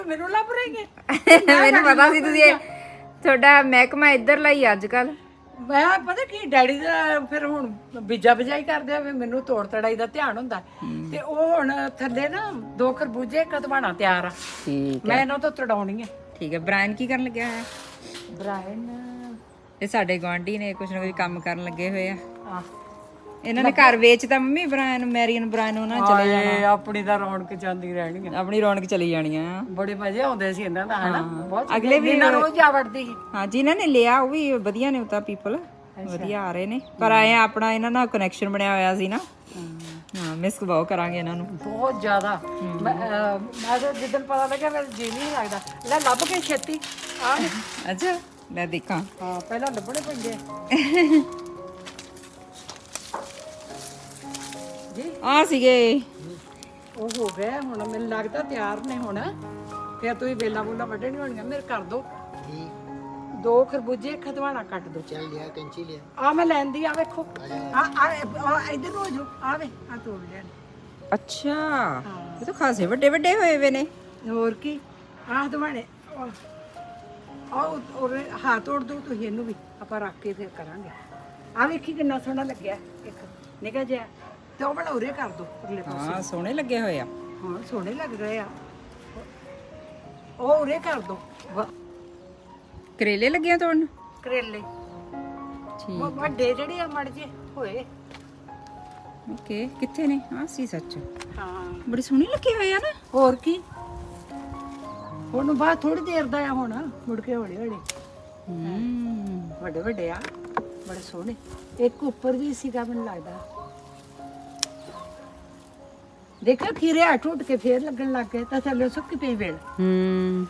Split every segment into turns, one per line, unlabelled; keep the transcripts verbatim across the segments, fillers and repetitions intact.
ਮੈਨੂੰ ਲੱਭ ਰਹੇਗੇ
ਮੈਨੂੰ ਪਤਾ ਸੀ ਤੁਸੀਂ ਤੁਹਾਡਾ ਮਹਿਕਮਾ ਇੱਧਰ ਲਈ ਅੱਜ ਕੱਲ।
ਮੈਂ ਪਤਾ ਕੀ ਡੈਡੀ ਦਾ ਫਿਰ ਹੁਣ ਬੀਜਾ ਬਜਾਈ ਕਰਦੇ ਆ ਵੀ ਮੈਨੂੰ ਤੋੜ ਤੜਾਈ ਦਾ ਧਿਆਨ ਹੁੰਦਾ ਤੇ ਉਹ ਹੁਣ ਥੱਲੇ ਨਾ ਦੋ ਖਰਬੂਜੇ ਕਦਵਾਣਾ ਤਿਆਰ ਆ।
ਠੀਕ
ਮੈਂ ਇਹਨਾਂ ਤੋਂ ਤੜਾਉਣੀ ਆ।
ਠੀਕ ਹੈ। ਬ੍ਰਾਇਨ ਕੀ ਕਰਨ ਲੱਗਿਆ ਹੈ?
ਬ੍ਰਾਇਨ
ਇਹ ਸਾਡੇ ਗੁਆਂਢੀ ਨੇ ਕੁਛ ਨਾ ਕੁਛ ਕੰਮ ਕਰਨ ਲੱਗੇ ਹੋਏ ਆ।
ਆ
ਇਹਨਾਂ ਨੇ ਘਰ ਵੇਚਤਾ ਮੰਮੀ ਬ੍ਰਾਇਨ ਮੈਰੀਅਨ ਬ੍ਰਾਇਨ ਉਹਨਾਂ ਨੇ ਚਲੇ ਜਾਣਾ।
ਆਪਣੀ ਤਾਂ ਰੌਣਕ ਜਾਂਦੀ ਰਹਿਣੀ ਆ।
ਆਪਣੀ ਰੌਣਕ ਚਲੀ ਜਾਣੀ ਆ।
ਬੜੇ ਮਜ਼ੇ ਆਉਂਦੇ ਸੀ ਇਹਨਾਂ ਦਾ ਹਨਾ ਬਹੁਤ।
ਅਗਲੇ ਵੀ
ਨਾ ਰੋਜ਼ ਜਾ ਵੜਦੀ ਸੀ।
ਹਾਂ ਜਿਨ੍ਹਾਂ ਨੇ ਲਿਆ ਉਹ ਵੀ ਵਧੀਆ ਨੇ ਉਹ ਤਾਂ ਪੀਪਲ ਵਧੀਆ ਆ ਰਹੇ ਨੇ ਪਰ ਆਏ ਆਪਣਾ ਇਹਨਾਂ ਨਾਲ ਕਨੈਕਸ਼ਨ ਬਣਿਆ ਹੋਇਆ ਸੀ ਨਾ। ਹਾਂ ਮਿਸ ਬਹੁਤ ਕਰਾਂਗੇ ਇਹਨਾਂ ਨੂੰ
ਬਹੁਤ ਜ਼ਿਆਦਾ। ਮੈਂ ਅਹ, ਮੈਂ ਤਾਂ ਜਿੱਦਣ ਪਤਾ ਲੱਗਿਆ ਮੇਰਾ ਜੀ ਨਹੀਂ ਲੱਗਦਾ ਲੈ ਲੱਭ ਕੇ ਛੇਤੀ ਆ।
ਅੱਛਾ ਲੈ ਦੇਖਾਂ।
ਹਾਂ ਪਹਿਲਾਂ ਲੱਭਣੇ ਪੈਂਦੇ ਜੀ।
ਆ ਸੀਗੇ
ਉਹ ਹੋ ਗਏ ਹੁਣ ਮੈਨੂੰ ਲੱਗਦਾ ਤਿਆਰ ਨੇ ਹੁਣ। ਫਿਰ ਤੁਸੀਂ ਵੇਲਾ ਬੂਲਾ ਵੱਢਣੀ ਹੋਣੀਆਂ ਮੇਰੇ ਕਰ ਦੋ। ਦੋ ਖਰਬੂਜੇ ਖਦਵਾਣਾ ਕੱਟ ਦੋ।
ਚੱਲ ਲਿਆ ਕੈਂਚੀ ਲਿਆ।
ਆ ਮੈਂ ਲੈਂਦੀ ਆ ਵੇਖੋ ਆ ਆ ਇਧਰ ਨੂੰ ਹੋ ਜਾਓ ਆ ਵੇ ਆ ਤੋੜ ਲਿਆ।
ਅੱਛਾ ਇਹ ਤਾਂ ਖਾਸੇ ਵੱਡੇ ਵੱਡੇ ਹੋਏ ਵੇ ਨੇ।
ਹੋਰ ਕੀ ਆਹ ਦਵਾਣੇ ਆਹ ਔਰ ਹਾਂ ਤੋੜ ਦੋ ਤੁਸੀਂ ਇਹਨੂੰ ਵੀ ਆਪਾਂ ਰੱਖ ਕੇ ਫਿਰ ਕਰਾਂਗੇ। ਆ ਵੇਖੀ ਕਿੰਨਾ ਸੋਹਣਾ ਲੱਗਿਆ ਇੱਕ ਨਿਕਾ ਜਿਹਾ ਤੇ ਉਹ ਬਣਾ ਉਰੇ ਕਰ ਦੋ ਅਗਲੇ ਪਾਸੇ।
ਹਾਂ ਸੋਹਣੇ ਲੱਗੇ ਹੋਏ ਆ।
ਹਾਂ ਸੋਹਣੇ ਲੱਗ ਰਹੇ ਆ। ਉਹ ਉਰੇ ਕਰ ਦੋ
ਕਰੇਲੇ ਲੱਗੇ ਆ ਤੋੜਨ।
ਕਰੇਲੇ
ਠੀਕ
ਵੱਡੇ ਜਿਹੜੇ ਆ ਮੜ ਜੇ ਹੋਏ।
ਓਕੇ ਕਿੱਥੇ ਨੇ? ਆ ਸੀ ਸੱਚ
ਹਾਂ
ਬੜੀ ਸੋਹਣੀ ਲੱਗੇ ਹੋਏ ਆ ਨਾ।
ਹੋਰ ਕੀ ਹੁਣ ਬਾਅਦ ਥੋੜੀ ਦੇਰ ਦਾ ਆ ਹੁਣ ਮੁੜ ਕੇ ਹੌਲੀ ਹੌਲੀ
ਹੂੰ
ਵੱਡੇ ਵੱਡੇ ਆ ਬੜੇ ਸੋਹਣੇ। ਇੱਕ ਉੱਪਰ ਵੀ ਸੀਗਾ ਮੈਨੂੰ ਲੱਗਦਾ। ਦੇਖੋ ਖੀਰੇ ਆ ਟੁੱਟ ਕੇ ਫੇਰ ਲੱਗਣ ਲੱਗ ਗਏ ਤਾਂ ਥੱਲੇ ਸੁੱਕੀ ਪਈ ਵੇਲ।
ਹੂੰ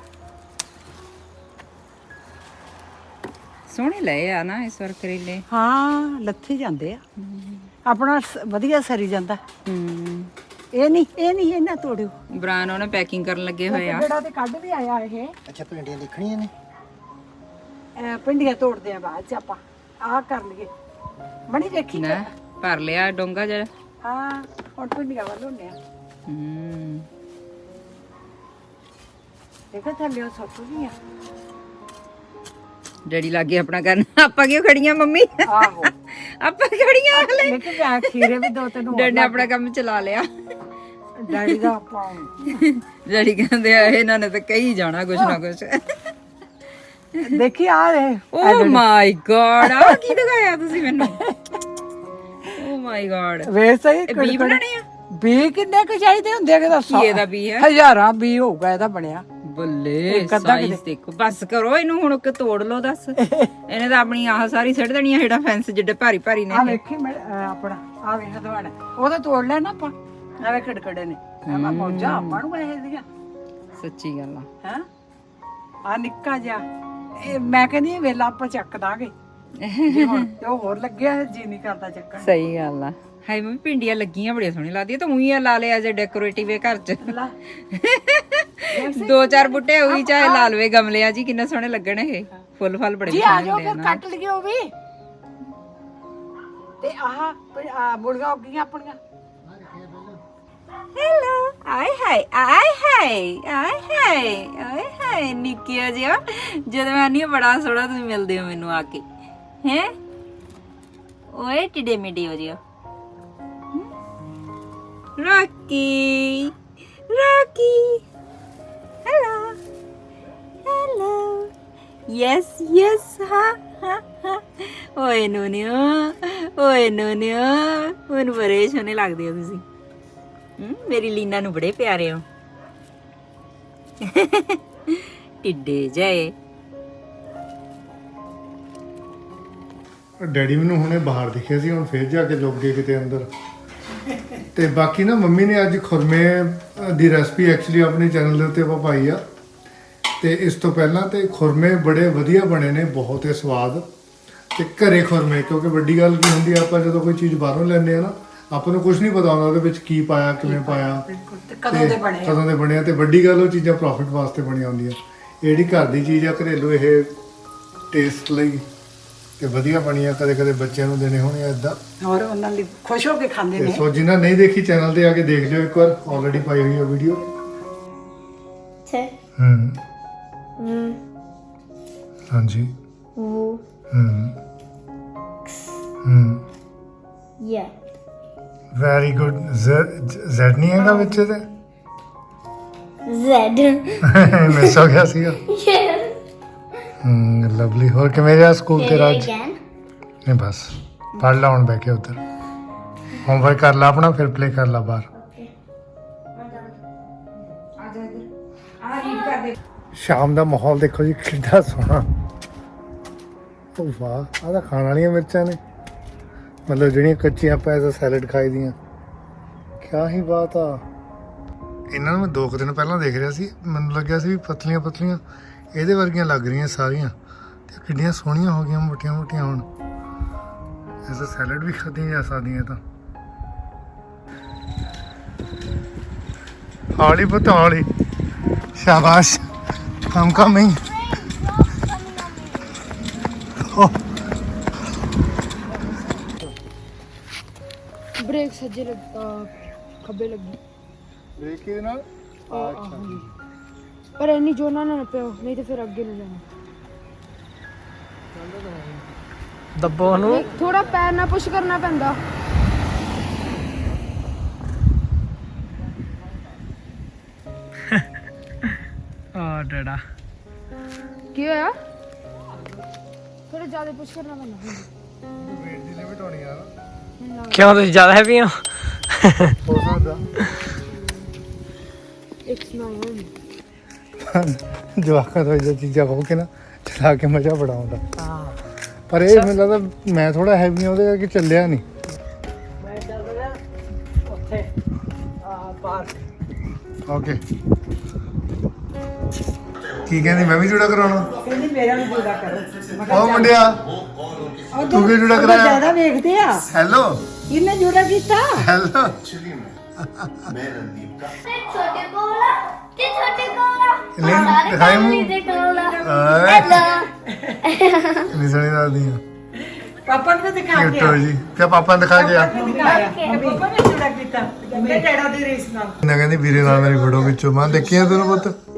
ਸੋਹਣੇ ਲਏ ਆ ਨਾ ਇਸ ਵਾਰ ਕਰੇਲੇ।
ਹਾਂ ਲੱਥੇ ਜਾਂਦੇ ਆ ਆਪਣਾ ਸ- ਵਧੀਆ ਸਰੀ ਜਾਂਦਾ।
ਹੂੰ
ਇਹ ਨਹੀਂ ਇਹ ਨਹੀਂ ਇਹਨਾਂ ਤੋੜਿਓ
ਬ੍ਰਾਨ ਉਹਨੇ ਪੈਕਿੰਗ ਕਰਨ ਲੱਗੇ ਹੋਏ ਆ।
ਜਿਹੜਾ ਤੇ ਕੱਢ ਵੀ ਆਇਆ ਇਹ
ਅੱਛਾ ਭਿੰਡੀਆਂ ਦੇਖਣੀਆਂ ਨੇ।
ਅਹ ਪਿੰਡੀਆਂ ਤੋੜਦੇ ਆ ਬਾਅਦ ਚ ਆਪਾਂ ਆਹ ਕਰ ਲਈਏ ਬਣੀ ਦੇਖੀ
ਨਾ ਭਰ ਲਿਆ ਡੋਂਗਾ ਜਿਹੜਾ।
ਹਾਂ ਹੁਣ ਪਿੰਡੀਆਂ ਵੱਲ ਹੁੰਨੇ ਆ।
ਹੂੰ
ਦੇਖੋ ਥੱਲੇ ਉਹ ਸੁੱਕ ਗਈਆਂ।
ਡੈਡੀ ਲੱਗੇ ਆਪਣਾ ਕਰਨ। ਆਪਾਂ ਕਿਉਂ ਖੜੀਆਂ ਮੰਮੀ?
ਆਹੋ
ਆਪਾਂ ਖੜੀਆਂ ਹਲੇ।
ਲੇਕਿਨ ਮੈਂ ਖੀਰੇ ਵੀ ਦੋ ਤਿੰਨ ਹੋਰ
ਡੈਡੀ ਨੇ ਆਪਣਾ ਕੰਮ ਚਲਾ ਲਿਆ।
ਡੈਡੀ ਦਾ ਆਪਾਂ
ਡੈਡੀ ਕਹਿੰਦੇ ਆ ਇਹਨਾਂ ਨੇ ਤਾਂ ਕਹੀ ਜਾਣਾ ਕੁਛ ਨਾ ਕੁਛ।
ਦੇਖੀ ਆ ਰਹੇ
ਓ ਮਾਈ ਗॉड ਆ ਕੀ ਦਿਖਾਇਆ ਤੁਸੀਂ ਮੈਨੂੰ? ਓ ਮਾਈ ਗॉड
ਵੇ ਸਹੀ
ਇਹ ਬੀ ਬਣਾਣੇ ਆ।
ਬੀ ਕਿੰਨੇ ਕੁ ਚਾਹੀਦੇ ਹੁੰਦੇ ਆ ਕਿ ਦੱਸੋ?
ਕੀ ਇਹਦਾ ਬੀ ਹੈ?
ਹਜ਼ਾਰਾਂ ਬੀ ਹੋਊਗਾ ਇਹਦਾ ਬਣਿਆ।
ਬੱਲੇ ਸਾਈਜ਼ ਦੇਖੋ। ਬਸ ਕਰੋ ਇਹਨੂੰ ਹੁਣ ਕਿ ਤੋੜ ਲਓ ਦੱਸ। ਇਹਨੇ ਤਾਂ ਆਪਣੀ ਆਹ ਸਾਰੀ ਸਿੱਟ ਦੇਣੀ ਆ ਜਿਹੜਾ ਫੈਂਸ ਜਿੱਡੇ ਭਾਰੀ ਭਾਰੀ ਨੇ।
ਆ ਵੇਖੀ ਮੈਂ ਅਹ ਆਪਣਾ ਆ ਵੇਖ ਹਦਵਾੜਾ ਉਹਦਾ ਤੋੜ ਲੈਣਾ ਆਪਾਂ। ਆ ਵੇ ਖੜਕੜੇ ਨੇ ਆ ਮੌਜਾ ਆਪਾਂ ਨੂੰ ਇਹ ਦੀਆਂ
ਸੱਚੀ ਗੱਲ ਆ।
ਹੈ ਆ ਨਿੱਕਾ ਜਿਹਾ ਇਹ ਮੈਂ ਕਹਿੰਦੀ ਵੇਲਾ ਆਪਾਂ ਚੱਕ ਦਾਂਗੇ ਜੀ ਹੁਣ ਤੇ ਉਹ ਹੋਰ ਲੱਗਿਆ ਜੀ ਨਹੀਂ ਕਰਦਾ ਚੱਕਣ।
ਸਹੀ ਗੱਲ ਆ। ਹਾਏ ਮੰਮੀ ਪਿੰਡੀਆਂ ਲੱਗੀਆਂ ਬੜੀਆਂ ਸੋਹਣੀਆਂ ਲੱਗਦੀਆਂ। ਤਾਂ ਉਹੀ ਲਾ ਲਿਆ ਜੇ ਡੈਕੋਰੇਟਿਵ ਹੈ ਘਰ 'ਚ।
ਲਾ
ਦੋ ਚਾਰ ਬੁੱਟੇ ਉਹੀ ਚਾਹੇ ਲਾ ਲਵੇ ਗਮਲਿਆਂ 'ਚ ਕਿੰਨੇ ਸੋਹਣੇ ਲੱਗਣ ਇਹ। ਫੁੱਲ ਫਲ ਬੜੇ
ਜੀ ਆ
ਸੋਹਣੇ
ਜਾਓ
ਹੁੰਦੇ ਆ
ਫਿਰ
ਨਾ।
ਕੱਟ ਲਈਏ ਉਹ ਵੀ। ਤੇ ਆਹ ਆ ਮੁਰਗਾ ਉੱਗੀਆਂ ਆਪਣੀਆਂ।
ਹੈਲੋ ਆਏ ਹਾਏ ਆਏ ਹਾਏ ਆਏ ਹਾਏ ਆਏ ਹਾਏ ਨਿੱਕਿਆ ਜਿਹਾ। ਜਦੋਂ ਮੈਂ ਨਹੀਂ ਬੜਾ ਸੋਹਣਾ ਤੁਸੀਂ ਮਿਲਦੇ ਹੋ ਮੈਨੂੰ ਆ ਕੇ ਹੈ। ਓਏ ਟਿੱਡੇ ਮਿੱਡੇ ਹੋ ਜਿਓ। Rocky Rocky hello hello yes yes ਹਾਂ ਹਾਂ ਹਾਂ। ਓਏ ਨੂਨਿਓ ਓਏ ਨੂਨਿਓ ਮੈਨੂੰ ਬੜੇ ਸੋਹਣੇ ਲੱਗਦੇ ਹੋ ਤੁਸੀਂ। ਹਮ ਮੇਰੀ ਲੀਨਾ ਨੂੰ ਬੜੇ ਪਿਆਰੇ ਹੋ। ਟਿੱਡੇ ਜਾਏ।
ਡੈਡੀ ਮੈਨੂੰ ਹੁਣੇ ਬਾਹਰ ਦਿਖਿਆ ਸੀ ਹੁਣ ਫੇਰ ਜਾ ਕੇ ਲੁੱਕ ਗਏ ਕਿਤੇ ਅੰਦਰ। ਤੇ ਬਾਕੀ ਨਾ ਮੰਮੀ ਨੇ ਅੱਜ ਖੁਰਮੇ ਦੀ ਰੈਸਪੀ ਐਕਚੁਅਲੀ ਆਪਣੇ ਚੈਨਲ ਦੇ ਉੱਤੇ ਆਪਾਂ ਪਾਈ ਆ। ਤੇ ਇਸ ਤੋਂ ਪਹਿਲਾਂ ਤੇ ਖੁਰਮੇ ਬੜੇ ਵਧੀਆ ਬਣੇ ਨੇ ਬਹੁਤ ਹੀ ਸਵਾਦ। ਤੇ ਘਰੇ ਖੁਰਮੇ ਕਿਉਂਕਿ ਵੱਡੀ ਗੱਲ ਕੀ ਹੁੰਦੀ ਆ ਆਪਾਂ ਜਦੋਂ ਕੋਈ ਚੀਜ਼ ਬਾਹਰੋਂ ਲੈਂਦੇ ਆ ਨਾ ਆਪਾਂ ਨੂੰ ਕੁਝ ਨਹੀਂ ਪਤਾ ਹੁੰਦਾ ਉਹਦੇ ਵਿੱਚ ਕੀ ਪਾਇਆ ਕਿਵੇਂ ਪਾਇਆ
ਤੇ ਕਦੋਂ ਦੇ ਬਣੇ
ਕਦੋਂ ਦੇ ਬਣੇ ਆ। ਤੇ ਵੱਡੀ ਗੱਲ ਉਹ ਚੀਜ਼ਾਂ ਪ੍ਰੋਫਿਟ ਵਾਸਤੇ ਬਣੀਆਂ ਹੁੰਦੀਆਂ। ਇਹ ਜਿਹੜੀ ਘਰ ਦੀ ਚੀਜ਼ ਆ ਘਰੇਲੂ ਇਹ ਟੇਸਟ ਲਈ ਤੇ ਵਧੀਆ ਬਣੀ ਆ। ਕਦੇ ਕਦੇ ਬੱਚਿਆਂ ਨੂੰ ਦੇਣੇ ਹੋਣੇ ਆ ਇਦਾਂ
ਹੋਰ ਉਹਨਾਂ ਲਈ ਖੁਸ਼ ਹੋ ਕੇ ਖਾਂਦੇ
ਤੇ
ਨੇ।
ਸੋ ਜਿਨ੍ਹਾਂ ਨਹੀਂ ਦੇਖੀ ਚੈਨਲ ਤੇ ਆ ਕੇ ਦੇਖ ਲਿਓ ਇੱਕ ਵਾਰ ਆਲਰੇਡੀ ਪਾਈ ਹੋਈ ਆ ਵੀਡੀਓ।
T
ਹੂੰ
V
ਹਾਂਜੀ
W
ਹੂੰ ਹੂੰ
Yeah.
ਵੈਰੀ ਗੁੱਡ ਜ਼ੈਡ ਨਹੀਂ ਹੈਗਾ ਵਿੱਚ ਤੇ
Z.
ਮਿਸ ਹੋ ਗਿਆ ਸੀਗਾ
Yes.
ਹੂੰ ਲਵਲੀ ਹੋਰ ਕਿਵੇਂ ਰਿਹਾ ਸਕੂਲ
Say
ਤੇਰਾ
it
ਅੱਜ
again.
ਨਹੀਂ ਬਸ ਪੜ੍ਹ ਲਾ ਹੁਣ ਬਹਿ ਕੇ ਉੱਧਰ ਹੋਮਵਰਕ ਕਰ ਲਾ ਆਪਣਾ ਫਿਰ ਪਲੇ ਕਰ ਲਾ ਬਾਹਰ
ਆ ਜਾ ਇੱਧਰ ਆ ਰੀਡ ਕਰ ਦੇ
ਸ਼ਾਮ ਦਾ ਮਾਹੌਲ ਦੇਖੋ ਜੀ ਕਿੰਨਾ ਸੋਹਣਾ ਉਹ ਵਾਹ ਆਹ ਤਾਂ ਖਾਣ ਵਾਲੀਆਂ ਮਿਰਚਾਂ ਨੇ ਮਤਲਬ ਜਿਹੜੀਆਂ ਕੱਚੀਆਂ ਆਪਾਂ ਐਜ਼ ਸੈਲਡ ਖਾਈ ਦੀਆਂ ਕਿਆ ਹੀ ਬਾਤ ਆ ਇਹਨਾਂ ਨੂੰ ਮੈਂ ਦੋ ਕੁ ਦਿਨ ਪਹਿਲਾਂ ਦੇਖ ਰਿਹਾ ਸੀ ਮੈਨੂੰ ਲੱਗਿਆ ਸੀ ਵੀ ਪਤਲੀਆਂ ਪਤਲੀਆਂ ਇਹਦੇ ਵਰਗੀਆਂ ਲੱਗ ਰਹੀਆਂ ਸਾਰੀਆਂ ਤੇ ਕਿੰਨੀਆਂ ਸੋਹਣੀਆਂ ਹੋ ਗਈਆਂ ਮੋਟੀਆਂ ਮੋਟੀਆਂ ਹੁਣ ਐਜ਼ ਸੈਲਡ ਵੀ ਖਾਧੀਆਂ ਜਾ ਸਕਦੀਆਂ ਤਾਂ ਹੌਲੀ ਪੁੱਤ ਹੌਲੀ ਸ਼ਾਬਾਸ਼ I'm coming.
ਬ੍ਰੇਕ ਸੱਜੇ ਲੱਗ ਅਹ ਖੱਬੇ ਲੱਗੀ
ਬ੍ਰੇਕ ਕਿਹਦੇ ਨਾਲ
ਪਰ ਇੰਨੀ ਜ਼ੋਰ ਨਾਲ ਨਾ ਪਿਓ ਨਹੀਂ ਤੇ ਫਿਰ ਅੱਗੇ ਨੂੰ ਜਾਣਾ
ਦੱਬੋ ਨੂੰ
ਥੋੜਾ ਪੈਰ ਨਾਲ ਪੁਸ਼ ਕਰਨਾ ਪੈਂਦਾ
ਆ ਡੜਾ
ਕੀ ਹੋਇਆ ਥੋੜਾ ਜ਼ਿਆਦਾ ਪੁਸ਼ ਕਰਨਾ ਪੈਂਦਾ
ਵੇਟ ਦੀ ਲਿਮਿਟ ਹੋਣੀ ਆ ਨਾ
ਕਿਉਂ ਤੁਸੀਂ ਜ਼ਿਆਦਾ ਹੈਵੀ ਹੋ
ਹੋ ਸਕਦਾ
ਇਟਸ ਨਾਈਨ
ਜਵਾਕਾਂ ਤੋਂ ਇਹ ਚੀਜ਼ਾਂ ਹੋ ਕੇ ਨਾ ਚਲਾ ਕੇ ਮਜ਼ਾ ਬੜਾ ਆਉਂਦਾ ਪਰ ਇਹ ਮੈਨੂੰ ਲੱਗਦਾ ਮੈਂ ਥੋੜਾ ਹੈਵੀ ਉਹਦੇ ਕਰਕੇ ਚੱਲਿਆ ਨਹੀਂ
ਮੈਂ ਚੱਲ ਰਿਹਾ ਉੱਥੇ ਆ ਪਾਰਕ
ਓਕੇ ਕੀ ਕਹਿੰਦੀ ਮੈਂ ਵੀ ਜੁੜਾ ਕਰਾਉਣਾ
ਕਹਿੰਦੀ ਮੇਰਾ ਵੀ ਜੁੜਾ ਕਰੋ
ਉਹ ਮੁੰਡਿਆ ਤੂੰ ਕੀ ਜੁੜਾ ਕਰਾਇਆ
ਜ਼ਿਆਦਾ ਵੇਖਦੇ ਆ
ਹੈਲੋ
ਕਿੰਨੇ ਜੁੜਾ ਕੀਤਾ
ਹੈਲੋ
ਛੋਟੇ ਕੋਲਾ ਤੇ ਛੋਟੇ ਕੋਲਾ
ਨਹੀਂ ਦਿਖਾਈ ਮੂੰਹ
ਤੇ ਕੋਲਾ
ਓਏ
ਹੈਲੋ
ਨਹੀਂ ਸੁਣੀ ਦੱਸਦੀ ਆ
ਪਾਪਾ ਨੂੰ ਦਿਖਾ ਕੇ
ਕਿਟੋ ਜੀ ਕਿ ਪਾਪਾ ਨੇ ਦਿਖਾ ਗਿਆ
ਦਿਖਾਇਆ ਪਾਪਾ ਨੇ ਜੁੜਾ ਕੀਤਾ ਕਹਿੰਦੇ ਡੈਡਾ ਦੀ ਰੀਸ ਨਾਲ
ਨਾ ਕਹਿੰਦੀ ਵੀਰੇ ਨਾਲ ਮੇਰੀ ਫੋਟੋ ਖਿੱਚੋ ਮੈਂ ਦੇਖਿਆ ਤੈਨੂੰ ਪੁੱਤ